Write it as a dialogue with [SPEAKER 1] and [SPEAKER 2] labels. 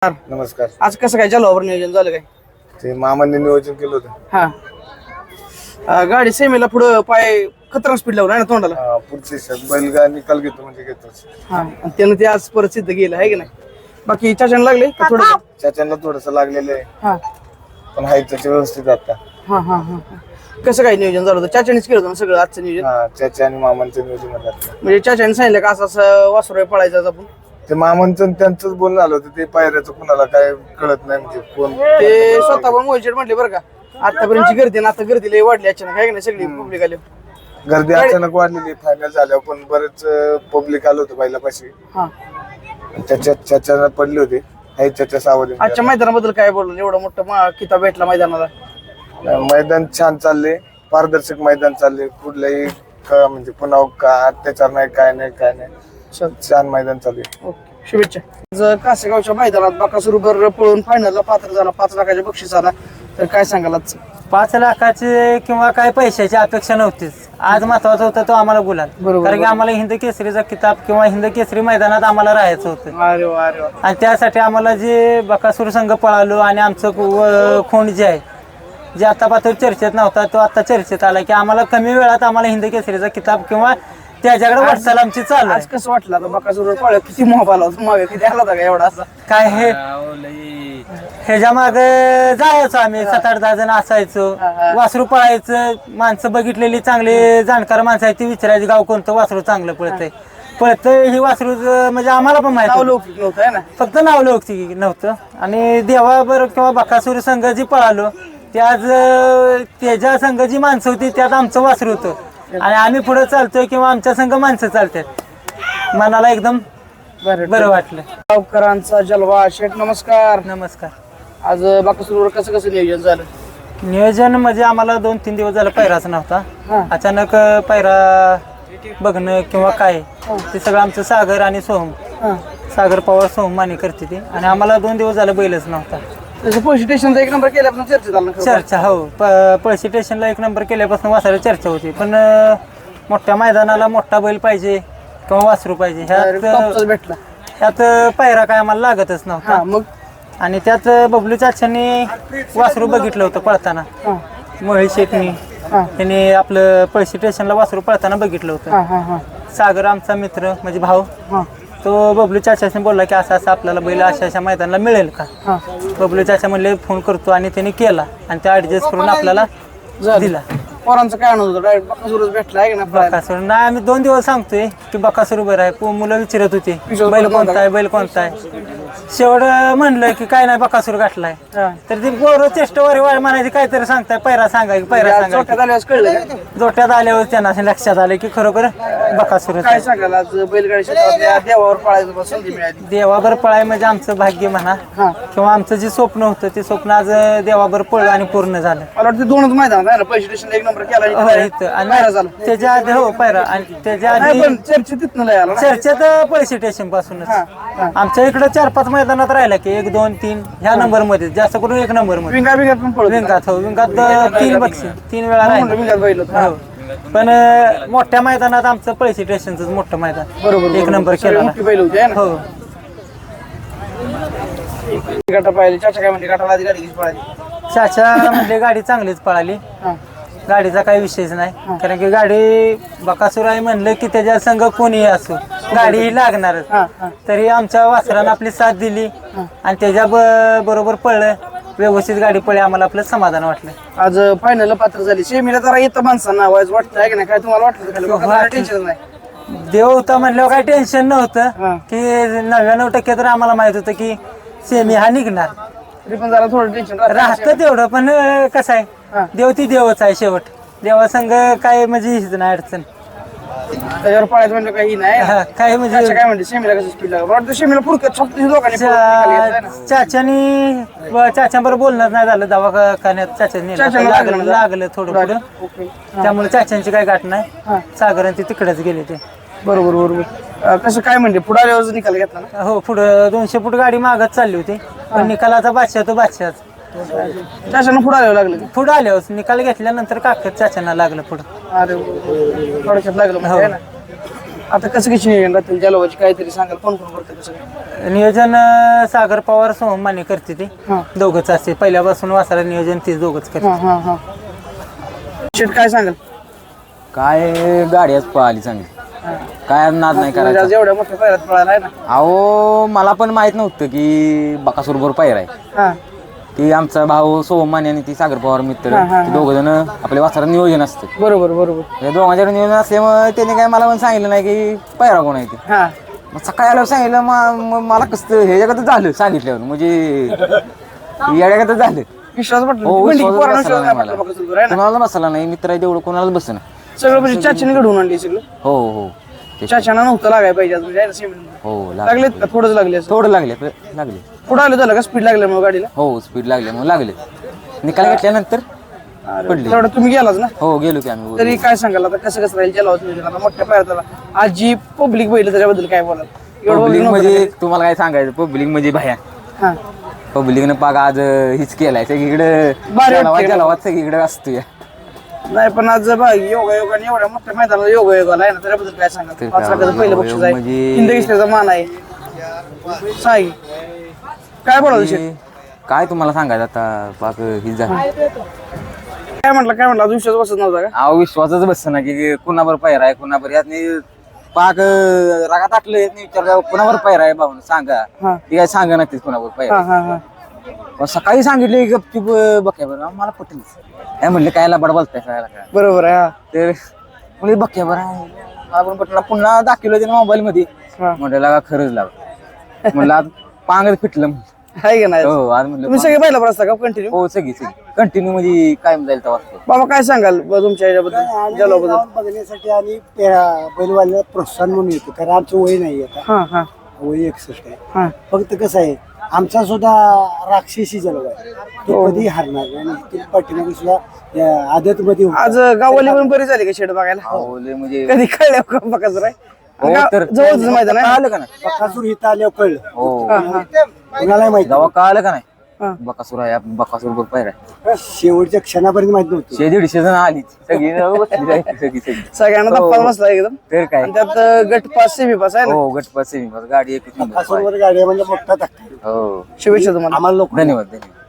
[SPEAKER 1] नमस्कार.
[SPEAKER 2] आज कसं काय जलवावर नियोजन झालं काय?
[SPEAKER 1] ते मामांनी नियोजन केलं होतं.
[SPEAKER 2] गाडी सेमीला पुढं पाय खतरा स्पीड लावला ना तोंडाला.
[SPEAKER 1] पुढची बैलगा निकाल घेतो म्हणजे घेतोच.
[SPEAKER 2] आणि त्यानं ते आज परत सिद्ध केलं आहे की नाही. बाकी चाचण लागले का थोडं?
[SPEAKER 1] चाच्यांना थोडस लागलेलं आहे.
[SPEAKER 2] हा
[SPEAKER 1] पण हाय त्याच्या व्यवस्थित आता.
[SPEAKER 2] हा हा हा कसं काय नियोजन झालं होतं? चाच्यानेच केलं होतं ना सगळं आजचं नियोजन?
[SPEAKER 1] चाचा आणि मामांचं नियोजन होतं.
[SPEAKER 2] म्हणजे चाच्याने सांगितलं का असं वासुर पळायचं आज आपण?
[SPEAKER 1] ते मामांचं त्यांचंच बोलणं आलं होतं. ते पायऱ्याचं कुणाला काय कळत नाही म्हणजे कोण
[SPEAKER 2] ते स्वतः पण मोहित म्हटले बरं का, आतापर्यंतची गर्दी ना आता गर्दी लई वाढली अचानक आहे की नाही. सगळी पब्लिक आली.
[SPEAKER 1] गर्दी अचानक वाढलेली फायनल झाल्यावर पण बरेच पब्लिक आलं होतं बैलापाशी.
[SPEAKER 2] हा
[SPEAKER 1] चाचा पडले होते. हाय चाचा सावध.
[SPEAKER 2] आजच्या मैदानाबद्दल काय बोललो? एवढा मोठा किताब भेटला मैदानाला.
[SPEAKER 1] मैदान छान चालले. पारदर्शक मैदान चालले. कुठल्याही म्हणजे पुन्हा का अत्याचार नाही काय नाही छान मैदान चालू आहे.
[SPEAKER 2] शुभेच्छा. आज कासेगावच्या मैदानात बकासूर बरोबर पळून फायनलला पात्र झाला. 5 लाखाच्या बक्षीस आला. तर काय सांगाल आज?
[SPEAKER 3] 5 लाखाची किंवा काय पैशाची अपेक्षा नव्हतीच. आज महत्वाचा होता तो आम्हाला गुलाल. कारण की आम्हाला हिंद केसरीचा किताब किंवा हिंद केसरी मैदानात आम्हाला राहायचं होतं.
[SPEAKER 2] अरे वा अरे वा.
[SPEAKER 3] आणि त्यासाठी आम्हाला जे बकासूर संघ पळालो आणि आमचं खोंड जे आहे जे आता पात्र चर्चेत नव्हता तो आता चर्चेत आला की आम्हाला कमी वेळात आम्हाला हिंद केसरीचा किताब किंवा त्याच्याकडे वाटचाल आमची चालू आहे.
[SPEAKER 2] आज कसं वाटलं आता बकासूर पळत किती मोह आला होता मागे, किती आला होता का एवढा असा?
[SPEAKER 3] काय हे ह्याच्या मागे जायचो आम्ही 7-8-10 जण असायचो. वासरू पळायचं. माणसं बघितलेली चांगली जाणकार माणसं आहे ती विचारायची गाव कोणतं वासरू चांगलं पळतंय ही वासरू म्हणजे आम्हाला पण माहिती
[SPEAKER 2] नव्हतं आहे ना.
[SPEAKER 3] फक्त नाव लोकती नव्हतं. आणि देवाबर किंवा बकासूर संघ जी पळालो ते आज त्याच्या संघ जी माणसं होती त्यात आमचं वासरू होतं आणि आम्ही पुढे चालतोय किंवा आमच्या संघ माणसं चालतात. मनाला एकदम बरं वाटलं.
[SPEAKER 2] गावकरांचा जलवा. शेठ नमस्कार.
[SPEAKER 3] नमस्कार.
[SPEAKER 2] आज बकासूरवर कसं नियोजन झालं?
[SPEAKER 3] नियोजन म्हणजे आम्हाला 2-3 दिवस झालं पैराच नव्हता. अचानक पैरा बघणं किंवा काय ते सगळं आमचं सागर आणि सोहम सागर पवार सोहम माने करते ते. आणि आम्हाला 2 दिवस झालं बैलच नव्हता.
[SPEAKER 2] पोलीस स्टेशनचा 1 नंबर केल्यापासून चर्चा झाला.
[SPEAKER 3] चर्चा हो पळशी स्टेशनला 1 नंबर केल्यापासून वासराची चर्चा होती. पण मोठ्या मैदानाला मोठा बैल पाहिजे किंवा वासरू पाहिजे
[SPEAKER 2] भेटला
[SPEAKER 3] ह्यात पायरा काय आम्हाला लागतच नव्हता.
[SPEAKER 2] मग
[SPEAKER 3] आणि त्यात बबलू चाच्यांनी वासरू बघितलं होतं पळताना. मोहित शेटनी त्यांनी आपलं पळशी स्टेशनला वासरू पळताना बघितलं होतं. सागर आमचा मित्र म्हणजे भाऊ तो बबलू चाच्याने बोलला की असं असं आपल्याला बैल अशा मैदानाला मिळेल का. बबलू चाचा म्हणले फोन करतो आणि त्यांनी केला आणि ते ऍडजस्ट करून आपल्याला दिला.
[SPEAKER 2] पोरांचं काय आणत होतं? बकासूरच भेटला आहे ना.
[SPEAKER 3] बकासूर नाही आम्ही 2 दिवस सांगतोय की बकासूर बरं आहे. मुलं विचारत होती बैल कोणता आहे बैल कोणता आहे. शेवट म्हणलं की काय नाही बकासूर गाठलाय. तर ती पोरं चेष्टवारी म्हणायची काहीतरी सांगताय पैरा सांगाय पैरा सांगाय. जोट्यात आल्यावर त्यांना लक्षात आलं की खरोखर बकासूर.
[SPEAKER 2] काय सांगाल आज बैलगाडी क्षेत्रात देवावर पळायचं संधी मिळाली?
[SPEAKER 3] देवावर पळाय म्हणजे आमचं भाग्य म्हणा किंवा आमचं जे स्वप्न होतं ते स्वप्न आज देवावर पळलं आणि पूर्ण झालं.
[SPEAKER 2] मला वाटतं 2च मैदान आहे ना. पळशी स्टेशनला 1 नंबर केला
[SPEAKER 3] आणि त्याच्या आधी हो पैरा आणि त्याच्या आधी
[SPEAKER 2] चर्चेत तिथनं आला.
[SPEAKER 3] चर्चेत पळशी स्टेशन पासूनच आमच्या इकडे 4-5 मैदानात राहिला की 1, 2, 3 ह्या नंबर मध्ये जास्त करून 1 नंबर मध्ये.
[SPEAKER 2] विंगात पण पळतो.
[SPEAKER 3] विंगात 3 बक्षीस 3 वेळा राहिला. पण मोठ्या मैदानात आमचं पळशी स्टेशनच मोठं मैदान बरोबर 1 नंबर केला. हो
[SPEAKER 2] गटा पाहिली. चाचा काय म्हणते? गटाला आधी गाडी कशी पळाली?
[SPEAKER 3] चाचा म्हणजे गाडी चांगलीच पळाली. गाडीचा काही विषयच नाही. कारण की गाडी बकासूर आहे म्हणलं की त्याच्या संघ कोणीही असो गाडी ही लागणारच. तरी आमच्या वासरानं आपली साथ दिली आणि त्याच्या बरोबर पळलं. व्यवस्थित गाडी पळली. आम्हाला आपलं समाधान वाटलं.
[SPEAKER 2] आज फायनल पात्र झाली. सेमीला जरा येतं माणसांना वाटतं आहे की नाही? काय तुम्हाला वाटलं? टेन्शन नाही.
[SPEAKER 3] देव होता म्हणल्यावर काही टेन्शन नव्हतं की 99% तर आम्हाला माहित होतं की सेमी हा निघणार.
[SPEAKER 2] तरी पण जरा थोडं टेन्शन
[SPEAKER 3] राहतं तेवढं. पण कसं आहे देव ती देवच आहे. शेवट देवासंग काय म्हणजे हीच नाही अडचण.
[SPEAKER 2] त्याच्यावर पळायचं म्हणजे काही नाही.
[SPEAKER 3] काय म्हणजे
[SPEAKER 2] काय म्हणते सेमीला कसं स्पीड लागलं? वाटतं सेमीला पुरकत लोकांनी
[SPEAKER 3] चाच्याबरोबर बोलणं नाही झालं. दवाखान्यात चाच्याने लागलं थोडं पुढं. त्यामुळे चाच्यांची काही गाठ नाही. सागर ते तिकडेच गेले ते.
[SPEAKER 2] बरोबर. कसं काय म्हणते पुढे आल्यावर निकाल घेतला ना?
[SPEAKER 3] हो पुढं 200 फूट गाडी मागत चालली होती. पण निकालाचा बादशाह तो बादशाह.
[SPEAKER 2] चाच्यानं पुढे आल्यावर लागलं?
[SPEAKER 3] पुढे आल्यावर निकाल घेतल्यानंतर काकत चाच्यांना लागलं पुढं.
[SPEAKER 2] अरे थोडक्यात लागलं म्हणजे. आता कसं कशी नियोजन राहतील जलवाची काहीतरी सांगाल कोण कोण करतं कसं काय?
[SPEAKER 3] नियोजन सागर पवार सोहम माने करते ते
[SPEAKER 2] हा.
[SPEAKER 3] दोघंच असते पहिल्यापासून वासरा नियोजन तीच दोघंच करते.
[SPEAKER 2] हा हा हा शेट काय सांगाल?
[SPEAKER 4] काय गाडी आज पळाली चांगली, काय नाद नाही
[SPEAKER 2] म्हणजे
[SPEAKER 4] करायचा.
[SPEAKER 2] आज एवढ्या मोठ्या पायऱ्यात पळायला आहे ना.
[SPEAKER 4] अहो मला पण माहित नव्हतं की बकासूर बरोबर पायरा आहे.
[SPEAKER 2] हा
[SPEAKER 4] ती आमचा भाऊ सोहम माने आणि ती सागर पवार मित्र, ते दोघ जण आपल्या वासरा नियोजन असतं.
[SPEAKER 2] बरोबर बरोबर.
[SPEAKER 4] या दोघांच्या नियोजन असल्यामुळे त्याने काय मला पण सांगितलं नाही की पायरा कोण आहे ते.
[SPEAKER 2] हा
[SPEAKER 4] मग सकाळी आल्यावर सांगितलं मला कसं हे जगात झालं सांगितल्यावर, म्हणजे या जगात झालं.
[SPEAKER 2] विश्वास वाटला
[SPEAKER 4] हो,
[SPEAKER 2] म्हणजे
[SPEAKER 4] विश्वासच
[SPEAKER 2] पोरांना
[SPEAKER 4] बसला
[SPEAKER 2] विश्वास
[SPEAKER 4] नाही
[SPEAKER 2] नाही
[SPEAKER 4] मला.
[SPEAKER 2] वाटला बघा सुरू आहे ना.
[SPEAKER 4] कोणाला बसला नाही, मित्र आहे तेवढं कोणालाच बसना.
[SPEAKER 2] सगळं म्हणजे चाचीने घडवून आणली सगळं.
[SPEAKER 4] हो हो
[SPEAKER 2] चाचाना नव्हतं लागायला पाहिजे आज म्हणजे आहे ना सिमेंट.
[SPEAKER 4] हो
[SPEAKER 2] लागलेत का थोडंच लागले असं?
[SPEAKER 4] थोडं लागले लागले.
[SPEAKER 2] पुढं आलं झालं का स्पीड लागल्यामुळे गाडीला?
[SPEAKER 4] हो स्पीड लागले मग लागले. निकाल घेतल्यानंतर पडले.
[SPEAKER 2] तेवढं तुम्ही गेलाच ना.
[SPEAKER 4] हो गेलो की आम्ही.
[SPEAKER 2] तरी काय सांगाल आता कसं कसं राहील जलावत नियोजन आता मोठ्या पायऱ्याला आज जी पब्लिक बैल त्याच्याबद्दल काय बोलाल? एवढं
[SPEAKER 4] पब्लिक
[SPEAKER 2] public
[SPEAKER 4] म्हणजे
[SPEAKER 2] नव्हतं
[SPEAKER 4] तुम्हाला काय सांगायचं, पब्लिक म्हणजे भया.
[SPEAKER 2] का? हा
[SPEAKER 4] पब्लिकनं पाग आज हिच केलाय सगळीकडे,
[SPEAKER 2] भारी वाटतंय.
[SPEAKER 4] जलावात सगळीकडे असतोय.
[SPEAKER 2] नाही पण आज बघा योगायोगाने एवढ्या मोठ्या मैदानाला योगायोगाला आहे ना त्याच्याबद्दल काय सांगाल?
[SPEAKER 4] ते
[SPEAKER 2] 5 लाखाचं पहिलं बक्षीस आहे,
[SPEAKER 4] म्हणजे-
[SPEAKER 2] हिंदकेसरीचा मान आहे. साई काय बोलाल विषय?
[SPEAKER 4] काय तुम्हाला सांगायचं आता, पाक हिच झालं.
[SPEAKER 2] काय म्हटलं आज विश्वास बसत नव्हता का?
[SPEAKER 4] अहो विश्वासच बसत ना की कुणावर पैर आहे कुणावर, यातनी पाक रागात आटलं यातनी विचारलं कुणावर पैर आहे भाऊन सांगा.
[SPEAKER 2] हा.
[SPEAKER 4] ती काय सांगा नक्कीच कुणावर पैर
[SPEAKER 2] हा हा हा
[SPEAKER 4] आहे. सकाळी सांगितले गपचूप बघ्या बरं मला पटेल काय म्हणले, कायला बड बोलताय काय
[SPEAKER 2] बरोबर आहे. हा
[SPEAKER 4] तर म्हणजे बघ्या बरं मला पण पटलं. पुन्हा दाखवलं त्याने मोबाईल मध्ये,
[SPEAKER 2] हा.
[SPEAKER 4] म्हटलं का खरंच लाव म्हणलं आज पांगच फिटलं.
[SPEAKER 2] आहे का नाही?
[SPEAKER 4] हो आज म्हणलं
[SPEAKER 2] तुम्ही सगळे पहिला प्रस्ताव का कंटिन्यू?
[SPEAKER 4] हो सगळी कंटिन्यू म्हणजे कायम जाईल तेव्हा.
[SPEAKER 2] बाबा काय सांगाल तुमच्या याच्याबद्दल जलाबद्दल?
[SPEAKER 5] बघण्यासाठी आणि बैलवाल्याला प्रोत्साहन म्हणून येतो, कारण आमचं वय नाही आता,
[SPEAKER 2] हा हा
[SPEAKER 5] वय 61 आहे.
[SPEAKER 2] हा
[SPEAKER 5] फक्त कसं आहे आमचा सुद्धा राक्षसी जलवा आहे, तो कधी हारणार नाही. आणि ते पाठीमागे सुद्धा आदत मध्ये
[SPEAKER 2] आज गाववाली पण बरी झाली का शेड बघायला?
[SPEAKER 4] हो लय म्हणजे
[SPEAKER 2] कधी कळलं का बघाच राय?
[SPEAKER 4] हो तर
[SPEAKER 2] जवळच मैदान आहे.
[SPEAKER 4] आलं का नाही.
[SPEAKER 5] बकासूर इथं आल्यावर कळलं,
[SPEAKER 4] हो
[SPEAKER 5] कुणाला माहिती
[SPEAKER 4] जेव्हा कळालं का
[SPEAKER 2] हा.
[SPEAKER 4] नाही बकासूर आहे बकासूर बरोबर पायरा आहे.
[SPEAKER 5] शेवटच्या क्षणापर्यंत माहित नव्हतं.
[SPEAKER 4] 100-150 जण आली सगळी बसली जायची, सगळी
[SPEAKER 2] सगळ्यांना धप्पा बसला एकदम.
[SPEAKER 4] तर काय.
[SPEAKER 2] आणि त्यात गट पास सेमी पास आहे ना.
[SPEAKER 4] हो गटपास सेमी गाडी एकच नंबर.
[SPEAKER 5] बकासूरवर गाडी म्हणजे मोठा धक्का आहे.
[SPEAKER 4] हो
[SPEAKER 2] शुभेच्छा तुम्हाला.
[SPEAKER 5] आम्हाला लोक
[SPEAKER 4] धन्यवाद धन्यवाद.